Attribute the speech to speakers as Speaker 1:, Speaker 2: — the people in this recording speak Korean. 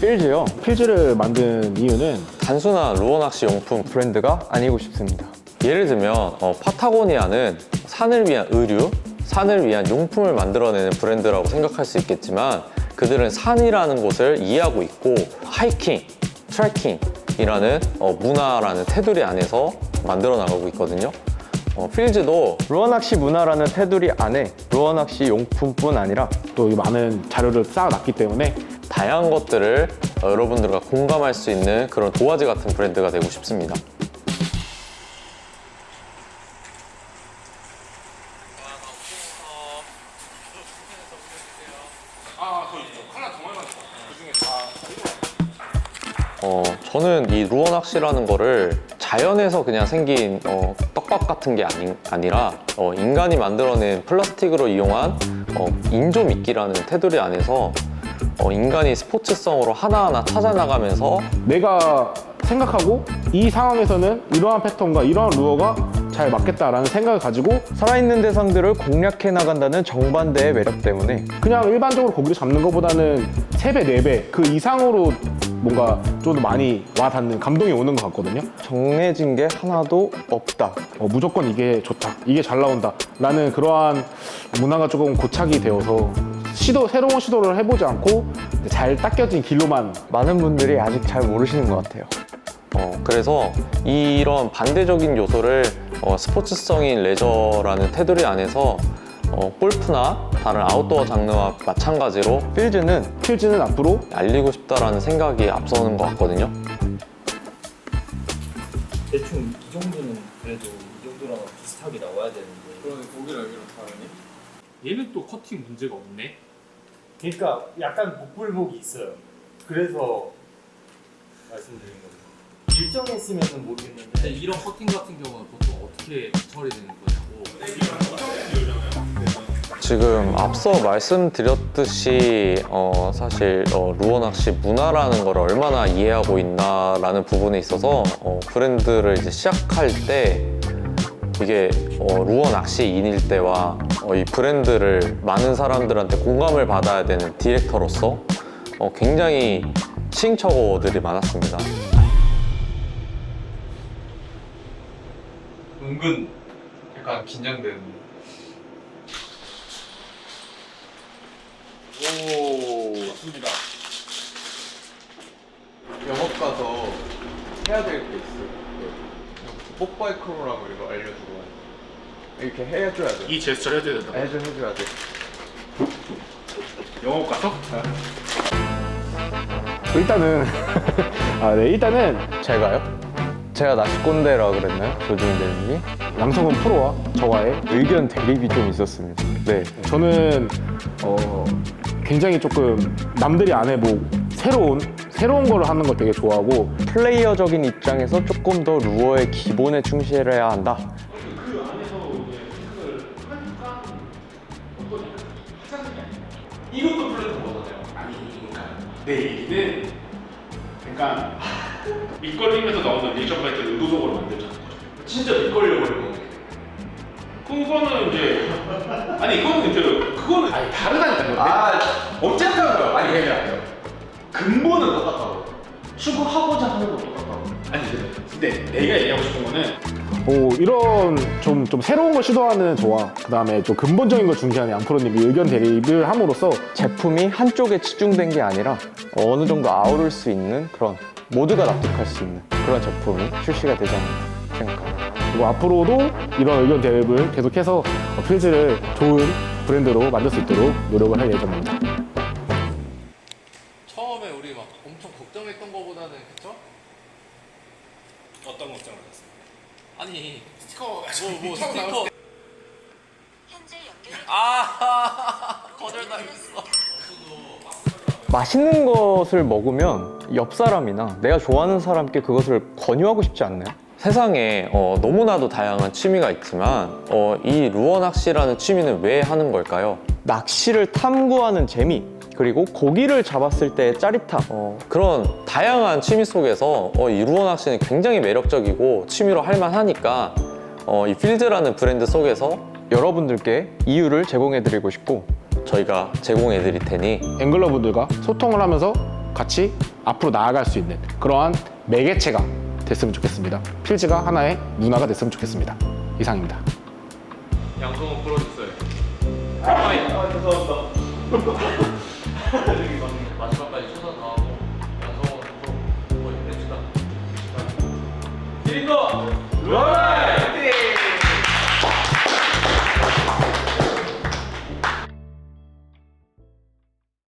Speaker 1: 필즈요.
Speaker 2: 필즈를 만든 이유는
Speaker 3: 단순한 루어 낚시 용품.
Speaker 1: 브랜드가 아니고 싶습니다.
Speaker 3: 예를 들면 파타고니아는 산을 위한 의류, 산을 위한 용품을 만들어내는 브랜드라고 생각할 수 있겠지만 그들은 산이라는 곳을 이해하고 있고 하이킹, 트레킹이라는 문화라는 테두리 안에서 만들어 나가고 있거든요. 필즈도
Speaker 1: 루어 낚시 문화라는 테두리 안에 루어 낚시 용품뿐 아니라
Speaker 2: 또 많은 자료를 쌓아놨기 때문에
Speaker 3: 다양한 것들을 여러분들과 공감할 수 있는 그런 도화지 같은 브랜드가 되고 싶습니다. 저는 이 루어 낚시라는 거를 자연에서 그냥 생긴 떡밥 같은 게 아니라 인간이 만들어낸 플라스틱으로 이용한 인조 미끼라는 테두리 안에서 인간이 스포츠성으로 하나하나 찾아나가면서
Speaker 2: 내가 생각하고 이 상황에서는 이러한 패턴과 이러한 루어가 잘 맞겠다라는 생각을 가지고
Speaker 1: 살아있는 대상들을 공략해 나간다는 정반대의 매력 때문에
Speaker 2: 그냥 일반적으로 고기를 잡는 것보다는 3배, 4배 그 이상으로 뭔가 좀 더 많이 와닿는 감동이 오는 것 같거든요.
Speaker 1: 정해진 게 하나도 없다.
Speaker 2: 무조건 이게 좋다, 이게 잘 나온다 라는 그러한 문화가 조금 고착이 되어서 새로운 시도를 해보지 않고 잘 닦여진 길로만
Speaker 1: 많은 분들이 아직 잘 모르시는 것 같아요.
Speaker 3: 그래서 이런 반대적인 요소를 스포츠성인 레저라는 테두리 안에서 골프나 다른 아웃도어 장르와 마찬가지로
Speaker 2: 필즈는 앞으로
Speaker 3: 알리고 싶다라는 생각이 앞서는 것 같거든요.
Speaker 4: 대충 이 정도는 그래도 이 정도랑 비슷하게 나와야 되는데.
Speaker 5: 그러네, 고기랑 여기랑 다르네. 얘는 또 커팅 문제가 없네.
Speaker 4: 그러니까 약간 목불목이 있어요. 그래서 말씀드린 거죠. 일정했으면 모르겠는데.
Speaker 5: 근데 이런 커팅 같은 경우는 보통 어떻게 처리되는 거냐고.
Speaker 3: 지금 앞서 말씀드렸듯이 사실 루어 낚시 문화라는 걸 얼마나 이해하고 있나라는 부분에 있어서 브랜드를 이제 시작할 때 이게 루어 낚시인일 때와 이 브랜드를 많은 사람들한테 공감을 받아야 되는 디렉터로서 굉장히 시행착오들이 많았습니다.
Speaker 5: 은근 약간 긴장되는. 오, 좋습니다. 영업 가서 해야 될 게 있어요. 뽀빠이 크로라고 이거 알려주고 이렇게 해줘야 돼.
Speaker 6: 이 제스처를 해줘야 된다.
Speaker 5: 해줘야 돼.
Speaker 6: 영업 가서?
Speaker 2: 일단은 일단은
Speaker 1: 제가요? 제가 낚시꼰대라 그랬나요? 조준희 대리님이?
Speaker 2: 양성근 프로와 저와의
Speaker 1: 의견 대립이 좀 있었습니다. 네.
Speaker 2: 저는 굉장히 조금 남들이 안 해보고 새로운 거를 하는 걸 되게 좋아하고
Speaker 1: 플레이어적인 입장에서 조금 더 루어의 기본에 충실해야 한다.
Speaker 6: 이것도 플랫폼 거잖아요. 아니, 그러니까 내 얘기는 그러니까 밑걸림에서 나오는 리액션 바이트를 의도적으로 만들자는 거죠. 진짜 밑걸려 버리는 거. 그거는 이제 아니 그거는 아니 다르다니까요. 어쨌든 아니 그냥 근본은 똑같다고. 추구하고자 하는 건 똑같다고. 아니 근데 내가 얘기하고 싶은 거는
Speaker 2: 이런 좀 새로운 걸 시도하는 저와 그 다음에 좀 근본적인 걸 중시하는 양프로님이 의견 대립을 함으로써
Speaker 1: 제품이 한쪽에 치중된 게 아니라 어느 정도 아우를 수 있는 그런 모두가 납득할 수 있는 그런 제품이 출시가 되지 않나 생각합니다.
Speaker 2: 그리고 앞으로도 이런 의견 대립을 계속해서 필즈를 좋은 브랜드로 만들 수 있도록 노력을 할 예정입니다.
Speaker 5: 처음에 우리 막 엄청 걱정했던 거보다는 그쵸?
Speaker 6: 어떤 걱정을 하셨어요?
Speaker 5: 아니
Speaker 6: 스티커
Speaker 5: 뭐 스티커
Speaker 7: 현재 연결
Speaker 5: 거절당했어.
Speaker 1: 맛있는 것을 먹으면 옆 사람이나 내가 좋아하는 사람께 그것을 권유하고 싶지 않나요?
Speaker 3: 세상에 너무나도 다양한 취미가 있지만 이 루어 낚시라는 취미는 왜 하는 걸까요?
Speaker 1: 낚시를 탐구하는 재미, 그리고 고기를 잡았을 때의 짜릿함.
Speaker 3: 그런 다양한 취미 속에서 이 루어 낚시는 굉장히 매력적이고 취미로 할 만하니까 이 필드라는 브랜드 속에서
Speaker 1: 여러분들께 이유를 제공해드리고 싶고
Speaker 3: 저희가 제공해 드릴 테니
Speaker 2: 앵글러분들과 소통을 하면서 같이 앞으로 나아갈 수 있는 그러한 매개체가 됐으면 좋겠습니다. 필즈가 하나의 문화가 됐으면 좋겠습니다. 이상입니다.
Speaker 6: 양성은 풀어줬어요. 아이, 죄송합니다. 마지막까지 최선 다하고 양성은 풀어. 뭐 힘냅시다. 1위 거!